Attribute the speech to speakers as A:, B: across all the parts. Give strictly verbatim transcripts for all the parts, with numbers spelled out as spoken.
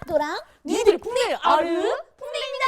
A: 너랑
B: 니들이 풍뎅이를 알아?
A: 풍뎅입니다.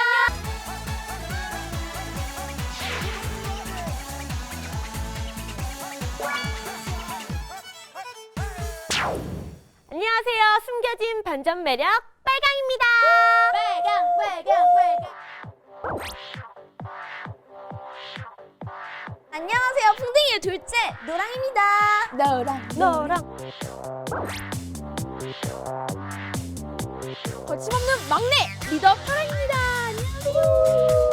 B: 안녕하세요. 숨겨진 반전 매력 빨강입니다.
A: 빨강 빨강 빨강. 안녕하세요. 풍뎅이의 둘째 노랑입니다. 노랑
B: 너랑
A: 거침없는 막내 리더 파랑입니다. 안녕하세요.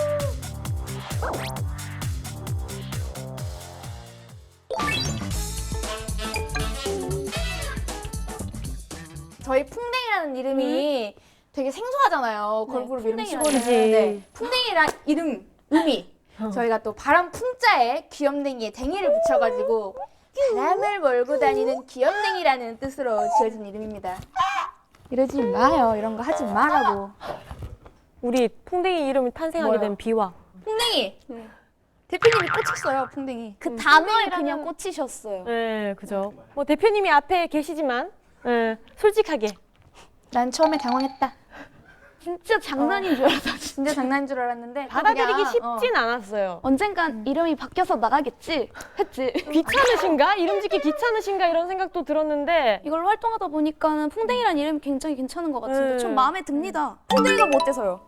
A: 저희 풍뎅이라는 이름이 되게 생소하잖아요. 걸그룹 이름 치고는.
B: 그치.
A: 네. 풍뎅이란 이름 의미. 저희가 또 바람 풍자에 귀염댕이에 댕이를 붙여가지고 바람을 몰고 다니는 귀염댕이라는 뜻으로 지어진 이름입니다. 이러지 마요. 이런 거 하지 말라고.
B: 우리 풍뎅이 이름이 탄생하게
A: 뭐요?
B: 된 비화.
A: 풍뎅이. 대표님이 꽂혔어요. 풍뎅이. 그 단어에 그냥 꽂히셨어요.
B: 네, 그죠. 뭐 대표님이 앞에 계시지만 네, 솔직하게.
A: 난 처음에 당황했다. 진짜 장난인 줄 알았어. 진짜 장난인 줄 알았는데
B: 받아들이기
A: 그냥,
B: 쉽진
A: 어.
B: 않았어요.
A: 언젠간 이름이 바뀌어서 나가겠지 했지.
B: 귀찮으신가? 이름 짓기 귀찮으신가? 이런 생각도 들었는데
A: 이걸로 활동하다 보니까는 풍뎅이란 이름이 굉장히 괜찮은 것 같은데
B: 네.
A: 좀 마음에 듭니다. 풍뎅이가 뭐 어때서요?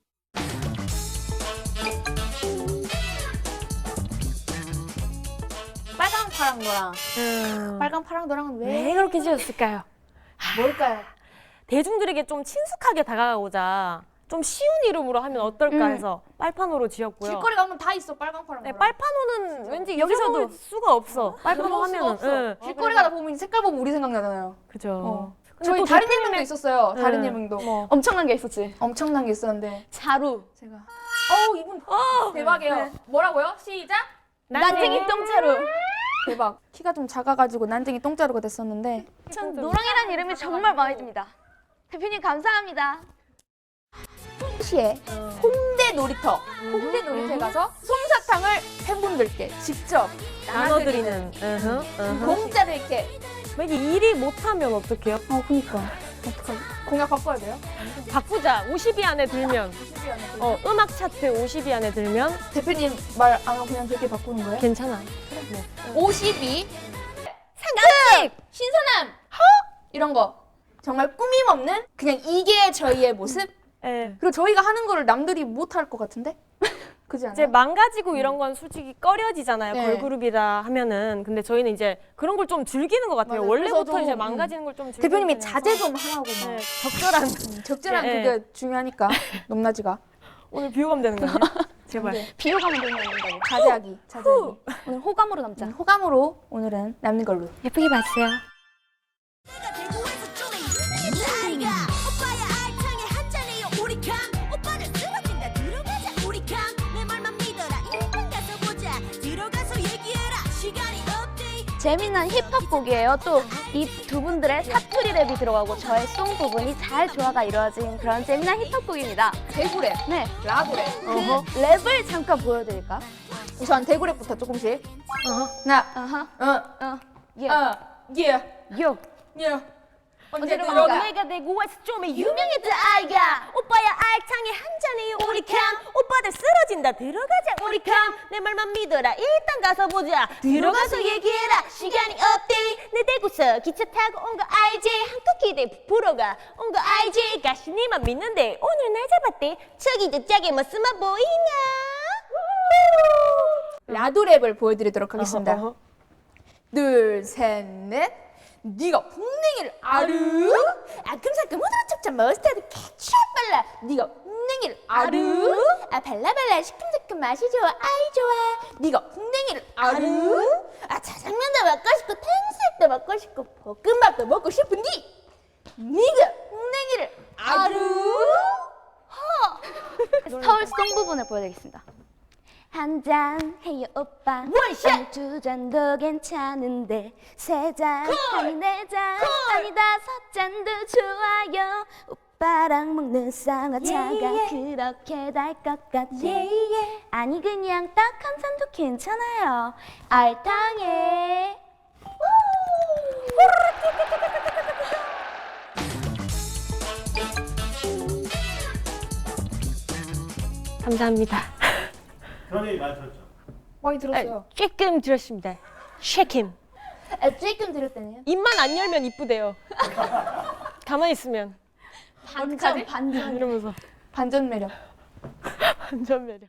A: 빨강 파랑 노랑.
B: 음,
A: 빨강 파랑 노랑은 왜?
B: 왜 그렇게 지었을까요?
A: 뭘까요?
B: 대중들에게 좀 친숙하게 다가가고자 좀 쉬운 이름으로 하면 어떨까
A: 음.
B: 해서 빨판호로 지었고요.
A: 길거리 가면 다 있어 빨강 파랑
B: 네,
A: 노랑.
B: 빨판호는 왠지
A: 여기서도.
B: 여기서도 수가 없어. 빨판호
A: 넘어올 수가
B: 하면은.
A: 없어.
B: 응.
A: 길거리 가다 보면 색깔 보면 우리 생각나잖아요.
B: 그죠.
A: 어.
B: 근데
A: 저희
B: 또
A: 다른
B: 대표님의-
A: 예명도 있었어요. 다른
B: 응.
A: 예명도.
B: 뭐.
A: 엄청난 게 있었지. 엄청난 게 있었는데
C: 자루.
A: 제가 어우 이분 대박이에요.
B: 네.
A: 뭐라고요? 시작. 난쟁이 똥자루. 대박. 키가 좀 작아가지고 난쟁이 똥자루가 됐었는데
C: 노랑이라는 이름이 정말 마음에 듭니다. 대표님 감사합니다.
A: 시에 홍대 놀이터 홍대 놀이터에 가서 솜사탕을 팬분들께 직접
B: 나눠드리는. 으흠, 으흠.
A: 공짜로 이렇게.
B: 만약에 일이 못하면 어떡해요?
A: 어 그니까 어떡하지? 공약 바꿔야 돼요?
B: 바꾸자. 오십 위 안에 들면. 어, 음악 차트 오십 위 안에 들면
A: 대표님 말 안 하고 그냥 그렇게 바꾸는 거예요?
B: 괜찮아.
A: 오십이 상큼 신선함 허 이런 거 정말 꾸밈 없는 그냥 이게 저희의 모습.
B: 예.
A: 그리고 저희가 하는 거를 남들이 못 할 것 같은데 그지 않아요?
B: 이제 망가지고 이런 건 솔직히 꺼려지잖아요.
A: 네.
B: 걸그룹이라 하면은. 근데 저희는 이제 그런 걸 좀 즐기는 것 같아요.
A: 맞아요.
B: 원래부터
A: 그래서
B: 이제
A: 좀,
B: 망가지는 걸 좀 즐기는
A: 대표님이
B: 편이어서.
A: 자제 좀 하라고 막.
B: 네, 적절한.
A: 음, 적절한
B: 네,
A: 그게 중요하니까 높낮이가.
B: 오늘 비호감 되는 거예요? 제발.
A: 네.
C: 비호감을 들면 된다고.
A: 자제하기 자제하기.
C: 오늘 호감으로 남자.
A: 음, 호감으로 오늘은 남는 걸로.
B: 예쁘게 봐주세요.
D: 오빠야 알탕에 한 잔해요 우리 강 오빠를 쓰러진다 들어가자 우리 강 내 말만 믿어라 일단 가서 보자 들어가서 얘기해라 시간이 없대
C: 재미난 힙합 곡이에요. 또 이 두 분들의 사투리 랩이 들어가고 저의 송 부분이 잘 조화가 이루어진 그런 재미난 힙합 곡입니다.
A: 대구랩,
C: 네,
A: 라구랩.
C: 그 랩을 잠깐 보여드릴까?
A: 우선 대구랩부터 조금씩.
B: 어허.
A: 하나,
C: 아하,
A: 어,
C: 어, 예,
A: 어, 예,
C: 요.
A: 예. 언제
C: 어디로
A: 들어가?
C: 갈까?
B: 내가 대구에서 좀
C: 유명했던 아이가
B: 오빠야 알창에 한 잔해요 우리 캉 오빠들 쓰러진다 들어가자 우리 캉 내 말만 믿어라 일단 가서 보자 들어가서 얘기해라 시간이 없대 내 대구서 기차 타고 온 거 알지 한국 기대 부풀어가 온 거 알지 가시니만 믿는데 오늘 날 잡았대 저기도 짜게 멋스만 보이나
A: 라두랩을 보여드리도록 하겠습니다.
B: 어허, 어허.
A: 둘, 셋, 넷. 네가 풍뎅이를 아르? 아큼사큼 후드러찹찹 머스타드 케찹 발라. 네가 풍뎅이를 아르? 아 발라발라 시큼시큼 맛이 좋아 아이 좋아. 네가 풍뎅이를 아르? 아 짜장면도 먹고 싶고 탕수육도 먹고 싶고 볶음밥도 먹고 싶은데 네가 풍뎅이를 아르?
C: 서울 송 부분을 보여드리겠습니다. 한 잔 해요 오빠
A: 원샷!
C: 두 잔도 괜찮은데 세 잔 아니 네 잔 아니 다섯 잔도 좋아요 오빠랑 먹는 쌍화차가 그렇게 달 것 같지 아니 그냥 딱 한 잔도 괜찮아요 알탕에
B: 감사합니다.
E: 그런 얘기 많이 들었죠.
A: 많이 들었어요.
B: 조금 들었습니다. 쉐킴.
A: 아, 조금 들었다네요.
B: 입만 안 열면 이쁘대요. 가만히 있으면
A: 반전, 반전.
B: 이러면서
A: 반전 매력.
B: 완전 매력.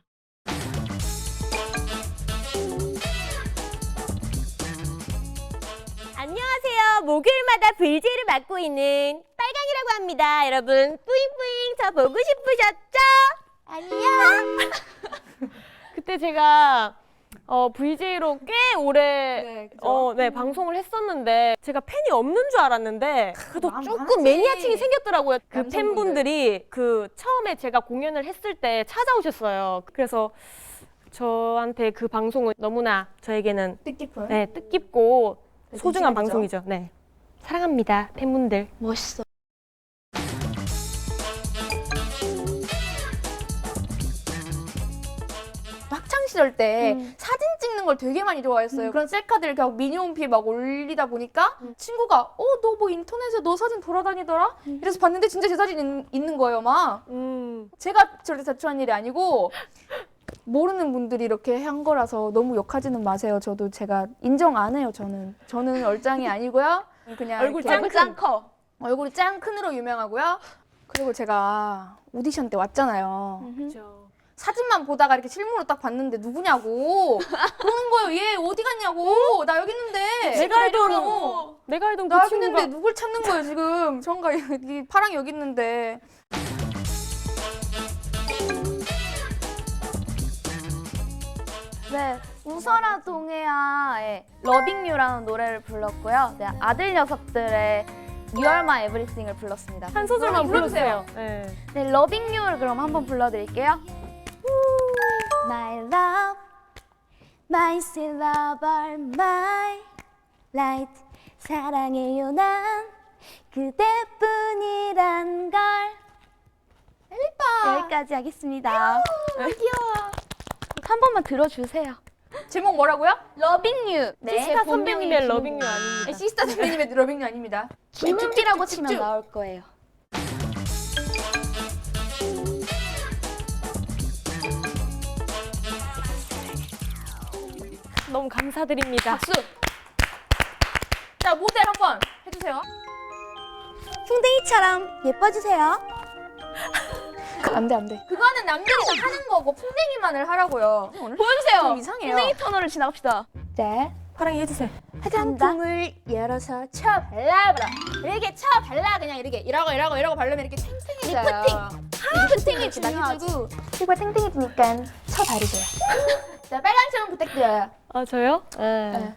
B: 안녕하세요. 목요일마다 브이제이를 맡고 있는 빨강이라고 합니다. 여러분 뿌잉뿌잉 저 보고 싶으셨죠? 안녕. 그때 제가 어, 브이제이로 꽤 오래
A: 네, 그죠?
B: 어, 네, 방송을 했었는데 제가 팬이 없는 줄 알았는데 그래도
A: 마음
B: 조금
A: 많지.
B: 매니아층이 생겼더라고요. 그
A: 남성분들.
B: 팬분들이 그 처음에 제가 공연을 했을 때 찾아오셨어요. 그래서 저한테 그 방송은 너무나 저에게는
A: 뜻깊은.
B: 네, 뜻깊고
A: 네,
B: 소중한
A: 진심이죠.
B: 방송이죠. 네. 사랑합니다, 팬분들.
C: 멋있어.
A: 학창 시절 때
C: 음.
A: 사진 찍는 걸 되게 많이 좋아했어요. 그런 셀카들을 계속 미니홈피에 막 올리다 보니까 친구가 어, 너 뭐 인터넷에 너 사진 돌아다니더라? 이래서 봤는데 진짜 제 사진 있, 있는 거예요, 막.
B: 음.
A: 제가 절대 자초한 일이 아니고 모르는 분들이 이렇게 한 거라서 너무 욕하지는 마세요. 저도 제가 인정 안 해요, 저는. 저는 얼짱이 아니고요. 그냥
B: 얼굴
A: 이렇게
B: 짱 큰.
A: 커. 얼굴이 짱 큰으로 유명하고요. 그리고 제가 오디션 때 왔잖아요.
B: 그렇죠.
A: 사진만 보다가 이렇게 실물로 딱 봤는데 누구냐고 그러는 거예요. 얘 어디 갔냐고. 나 여기 있는데.
B: 내가 알던
A: 어.
B: 내가 알던
A: 나
B: 그
A: 여기
B: 친구가
A: 있는데 누굴 찾는 거예요 지금. 정가 여기 파랑이 여기 있는데.
C: 네, 웃어라 동해야의 러빙 유라는 노래를 불렀고요. 네, 아들 녀석들의 You Are My Everything을 불렀습니다.
B: 한 소절만
A: 불러주세요.
B: 불러주세요. 네.
C: 네, 러빙 유를 그럼 한번 불러드릴게요. My love, my sweet lover, my light. 사랑해요 난 그대뿐이란 걸.
A: 예뻐.
C: 여기까지 하겠습니다. 귀여워. 한 번만 들어주세요.
A: 제목 뭐라고요?
C: 러빙 유. 네,
B: 시스타
C: 본명이
B: 선배님의
C: 김-
B: 러빙 유 아닙니다.
A: 네, 시스타 선배님의 러빙이 아닙니다.
C: 김은비라고
A: 쭉쭉쭉쭉.
C: 치면 나올 거예요.
B: 너무 감사드립니다.
A: 박수. 자, 모델 한번 해주세요.
C: 풍뎅이처럼 예뻐주세요.
A: 안돼 안돼. 그거는 남들이 다 하는 거고 풍뎅이만을 하라고요. 보여주세요. 좀 이상해요.
C: 풍뎅이 터널을 지나갑시다.
A: 네.
B: 파랑이 해주세요.
A: 화장품을 열어서 쳐 발라버려. 이렇게 쳐 발라 그냥 이렇게 이러고 이러고 이러고 바르면 이렇게 탱탱해져요. 리프팅이 중요하고 피부가 탱탱해지니까 쳐 바르세요. 자, 빨간 점 부탁드려요.
B: 아 저요?
A: 네.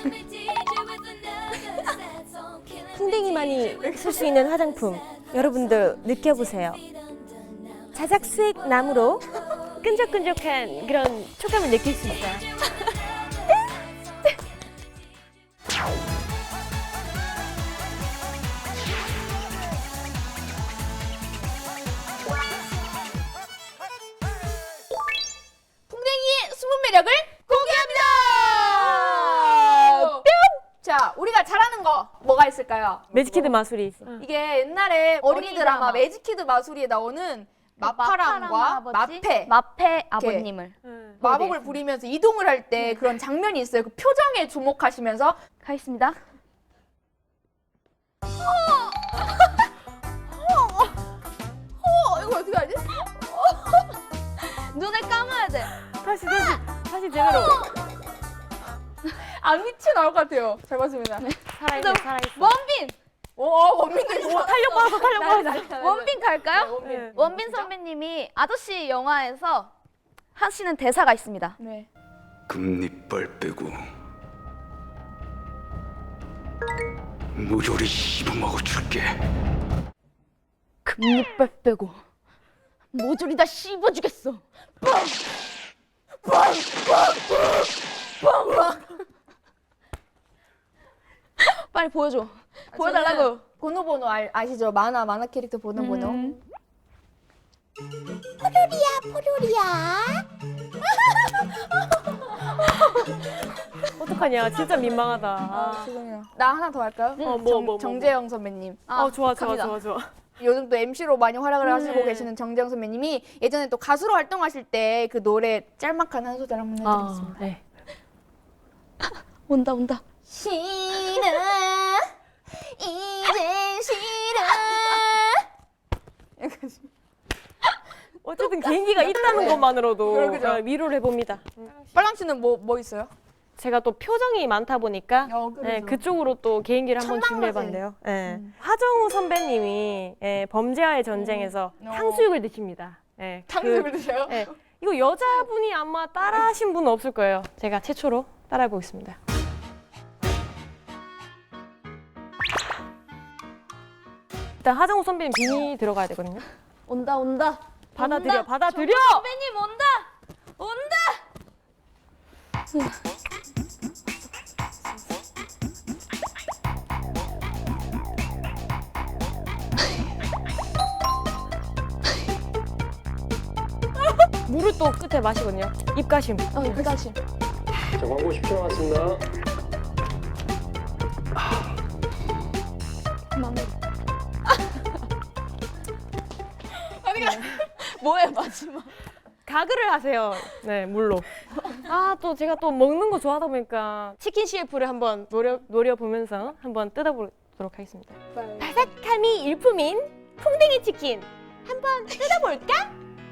B: 풍뎅이만이 쓸 수 있는 화장품 여러분도 느껴보세요. 자작 수액 나무로 끈적끈적한 그런 촉감을 느낄 수 있어요.
A: 풍뎅이의 숨은 매력을 공개합니다. 뿅! 자, 우리가 잘하는 거 뭐가 있을까요?
B: 매직키드 마술이
A: 이게 옛날에 어린이
C: 어린이
A: 드라마
C: 드라마.
A: 매직키드 마술이에 나오는 마파랑과 마페
C: 마페 아버님을
A: 마법을 부리면서 이동을 할 때 그런 장면이 있어요. 그 표정에 주목하시면서
C: 가겠습니다.
A: 어, 이거 어떻게 하지?
C: 눈을 감아야 돼.
B: 다시 다시 다시 제대로
A: 안 미치 나올 것 같아요. 잘 봤습니다.
B: 살아있어 살아있어.
C: 원빈!
A: 오, 어, 원빈도 있어.
B: 탄력 받아서 탄력 받아서.
C: 원빈 갈까요?
B: 네.
C: 원빈 선배님이 아저씨 영화에서 하시는 대사가 있습니다.
A: 네.
F: 금리빨 빼고 모조리 씹어먹어 줄게.
C: 금리빨 빼고 모조리 다 씹어주겠어. 빨리 보여줘. 보여달라고.
A: 보노보노 알, 아시죠? 만화 만화 캐릭터 보노보노.
C: 음.
B: 어떡하냐 진짜 민망하다.
A: 아, 죄송해요. 나 하나 더 할까요?
B: 어, 뭐, 뭐, 뭐,
A: 정재영 선배님.
B: 어 좋아 좋아
C: 갑니다.
B: 좋아 좋아.
A: 요즘 또 엠시로 많이 활약을 하시고 계시는 정재영 선배님이 예전에 또 가수로 활동하실 때 그 노래 짤막한 한 소절 한번 해드리겠습니다.
B: 네.
C: 온다 온다.
A: 싫어 이젠 싫어.
B: 어쨌든 개인기가 있다는 것만으로도
A: 그래, 그죠?
B: 어, 위로를 해봅니다.
A: 빨랑 씨는 뭐 뭐 있어요?
B: 제가 또 표정이 많다 보니까
A: 어, 그래서.
B: 네, 그쪽으로 또 개인기를 한번
A: 천망라지.
B: 준비해봤는데요. 네. 하정우 선배님이 예, 범죄와의 전쟁에서
A: 음. 어.
B: 탕수육을 드십니다. 예,
A: 탕수육을
B: 그-
A: 드셔요?
B: 예, 이거 여자분이 아마 따라하신 분은 없을 거예요. 제가 최초로 따라해보겠습니다. 일단 하정우 선배님 비니 들어가야 되거든요.
C: 온다 온다.
B: 받아들여,
C: 온다.
B: 받아들여!
C: 선배님 온다. 온다.
B: 물을 또 끝에 마시거든요. 입가심.
C: 어 입가심.
G: 자, 광고 십 초 남았습니다.
C: 마무리. 뭐해 마지막.
B: 가글을 하세요. 네, 물로. 아, 또 제가 또 먹는 거 좋아하다 보니까 치킨 씨에프를 한번 노려, 노려보면서 한번 뜯어보도록 하겠습니다. 바삭함이 일품인 풍뎅이 치킨 한번 뜯어볼까?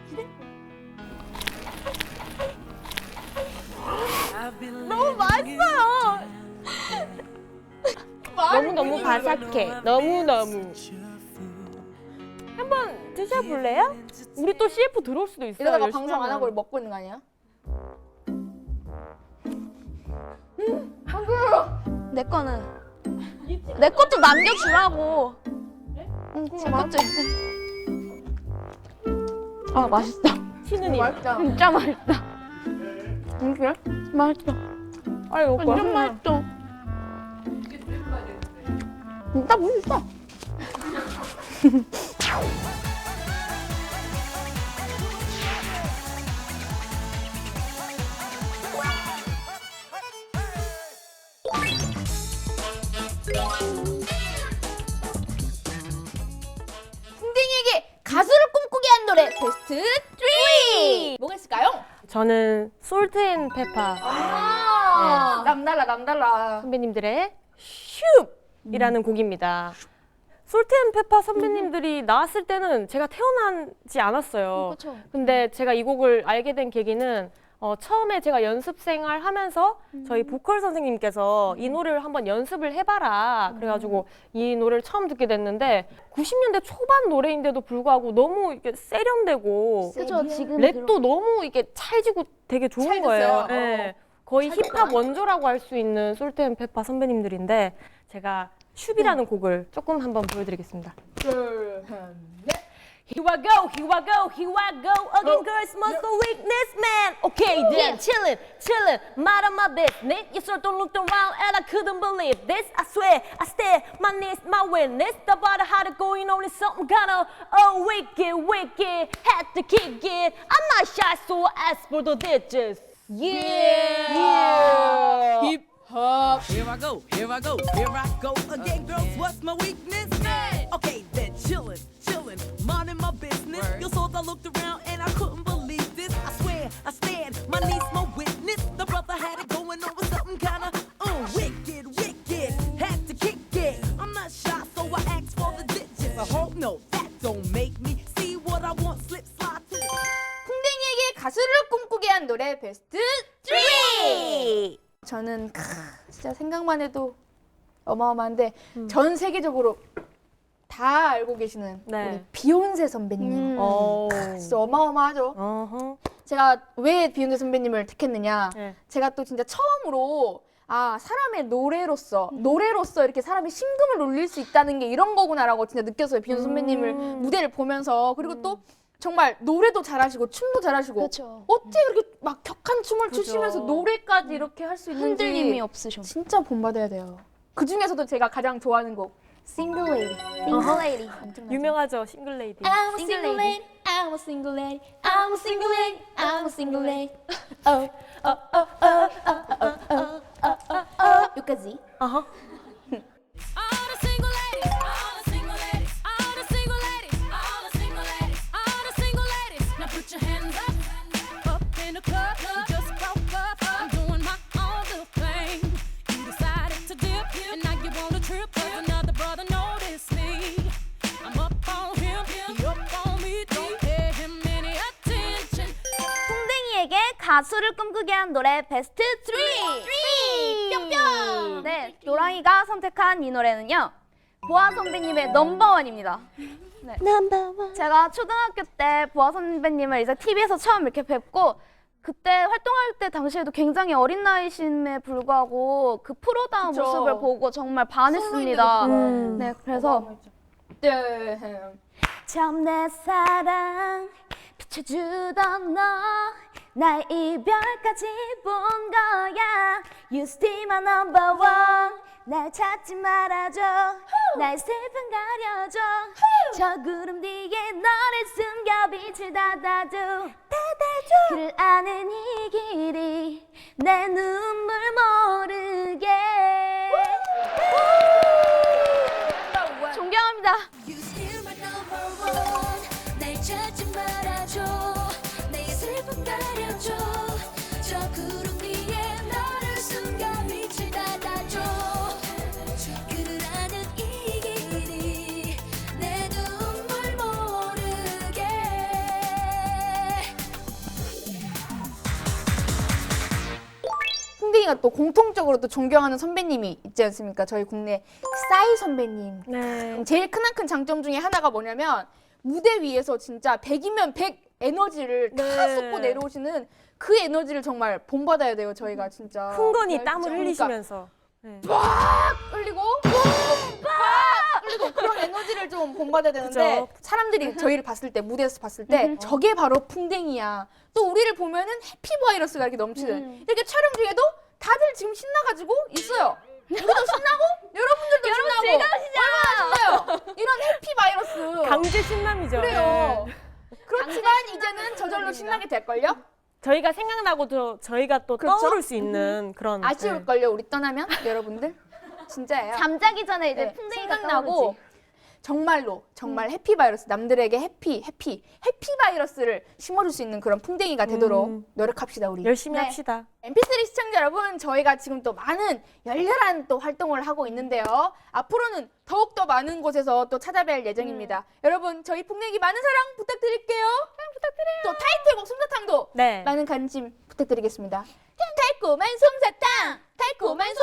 B: 너무 맛있어요. 너무너무 바삭해. 너무너무. 한번 드셔볼래요? 우리 또 씨에프 들어올 수도 있어요.
A: 이러다가
B: 열심히
A: 방송 안
B: 하면.
A: 하고 먹고 있는 거 아니야?
C: 내 거는 내 것도 남겨주라고. 응, 제 것도. 아 맛있다.
B: 신우님.
A: 맛있다.
C: 진짜 맛있다.
A: 그래?
C: 맛있어.
B: 아이, 먹고 와.
C: 완전 맛있어. 진짜 맛있어.
A: 풍뎅이에게 가수를 꿈꾸게 한 노래 베스트 삼! 뭐가 있을까요?
B: 저는 솔트앤페파
A: 아, 남달라 남달라.
B: 선배님들의 슈이라는 곡입니다. 솔트앤페파 선배님들이 나왔을 때는 제가 태어나지 않았어요.
C: 그쵸.
B: 근데 제가 이 곡을 알게 된 계기는 어, 처음에 제가 연습 생활 하면서 저희 보컬 선생님께서 이 노래를 한번 연습을 해봐라. 그래가지고 이 노래를 처음 듣게 됐는데 구십 년대 초반 노래인데도 불구하고 너무 이게 세련되고
C: 그죠 지금
B: 랩도 너무 이게 찰지고 되게 좋은
A: 찰졌어요.
B: 거예요.
A: 어.
B: 네. 거의 힙합 원조라고 할 수 있는 솔트앤페파 선배님들인데 제가 슈비라는 곡을 조금 한번 보여드리겠습니다.
A: 둘, 셋, 넷.
B: Here I go, here I go, here I go again. Girls must go weakness, man. Okay, then chillin', chillin', mind on my business. You sort of looked around and I couldn't believe this. I swear, I stare, my knees, my witness. The body had it going on, it's something kinda oh wicked, wicked. Had to kick it. I'm not shy, so I asked for the digits. Yeah, yeah.
A: 힙 hop.
H: Here I go, here I go, here I go again, girls. What's my weakness? Okay, then chillin', chillin', minding my business. You saw I looked around and I couldn't believe this. I swear, I stand, my niece, my witness. The brother had it going on with something kinda uh, wicked, wicked. Had to kick it. I'm not shy, so I asked for the digits. I hope no, that don't make me see what I want. Slip, slide to the.
A: 풍뎅이에게 가수를 꿈꾸게 한 노래 베스트 삼! 저는 크, 진짜 생각만 해도 어마어마한데 전 세계적으로 다 알고 계시는
B: 네.
A: 우리 비욘세 선배님.
B: 오.
A: 진짜 어마어마하죠.
B: 어허.
A: 제가 왜 비욘세 선배님을 택했느냐?
B: 네.
A: 제가 또 진짜 처음으로 아 사람의 노래로서 노래로서 이렇게 사람의 심금을 울릴 수 있다는 게 이런 거구나라고 진짜 느꼈어요. 비욘세 선배님을 무대를 보면서. 그리고 또 정말 노래도 잘하시고 춤도 잘하시고
C: 그쵸.
A: 어떻게 그렇게 막 격한 춤을 추시면서 노래까지 이렇게 할 수 있는지
C: 흔들림이 없으셔.
A: 진짜 본받아야 돼요. 그 중에서도 제가 가장 좋아하는 곡 Single Lady.
C: 싱글 레이디.
B: 유명하죠, 싱글레이디.
A: I'm a
C: Single
A: single
C: lady.
A: lady. I'm a single lady. I'm a single lady. I'm a single lady. Oh, oh, oh, oh, oh, oh, oh, oh, oh, oh. 여기까지.
B: 어허.
D: I'm a single lady. I'm a single lady. I'm a single lady.
C: 가수를 꿈꾸게 한 노래 베스트 쓰리! 뿅뿅! 네, 노랑이가 선택한 이 노래는요. 보아 선배님의 넘버원입니다. 네.
B: 넘버원.
C: 제가 초등학교 때 보아 선배님을 이제 티비에서 처음 이렇게 뵙고 그때 활동할 때 당시에도 굉장히 어린 나이심에 불구하고 그 프로다운
A: 그쵸.
C: 모습을 보고 정말 반했습니다.
B: 음.
C: 네, 그래서
A: 네.
C: 처음 내 사랑 비춰주던 너 나의 이별까지 본 거야 You still my number one 날 찾지 말아줘 나의 슬픔 가려줘 저 구름 뒤에 너를 숨겨 빛을 닫아줘 닫아줘 그를 아는 이 길이 내 눈물 모르게 존경합니다.
D: You still my number one 날 찾지 말아줘 내 슬픔 가려줘 저 구름 뒤에 너를 숨겨 빛을 닫아줘 그를 아는 이 길이 내 눈물 모르게
A: 풍뎅이가 또 공통적으로 또 존경하는 선배님이 있지 않습니까? 저희 국내 싸이 선배님.
B: 네.
A: 제일 크나큰 장점 중에 하나가 뭐냐면 무대 위에서 진짜 백이면 백 에너지를 다
B: 네.
A: 쏟고 내려오시는 그 에너지를 정말 본받아야 돼요. 저희가 진짜.
B: 흥건히 땀을
A: 그러니까
B: 흘리시면서. 네.
A: 흘리고 빡 흘리고 그런 에너지를 좀 본받아야 되는데
B: 그죠.
A: 사람들이 저희를 봤을 때 무대에서 봤을 때 저게 바로 풍뎅이야. 또 우리를 보면은 해피 바이러스가 이렇게 넘치는 이렇게 촬영 중에도 다들 지금 신나가지고 있어요. 우리도 신나고 여러분들도 신나고 얼마나 신나요? 이런 해피 바이러스.
B: 강제 신남이죠.
A: 그래요.
B: 네.
A: 그렇지만 이제는 저절로 신나게 될걸요?
B: 저희가 생각나고 또 저희가 또
A: 그렇죠?
B: 떠오를 수 있는 그런. 네.
A: 아쉬울걸요? 우리 떠나면 여러분들? 진짜예요.
C: 잠자기 전에 이제
A: 네,
C: 풍뎅이가
A: 생각나고
C: 떠오르지.
A: 정말로 정말 해피 바이러스 남들에게 해피 해피 해피 바이러스를 심어줄 수 있는 그런 풍뎅이가 되도록
B: 음.
A: 노력합시다 우리.
B: 열심히
A: 네.
B: 합시다.
A: 엠피쓰리 시청자 여러분, 저희가 지금 또 많은 열렬한 또 활동을 하고 있는데요. 앞으로는 더욱더 많은 곳에서 또 찾아뵐 예정입니다. 여러분, 저희 풍뎅이 많은 사랑 부탁드릴게요. 사랑 부탁드려요. 또 타이틀곡 솜사탕도
B: 네.
A: 많은 관심 부탁드리겠습니다. 달콤한 솜사탕, 달콤한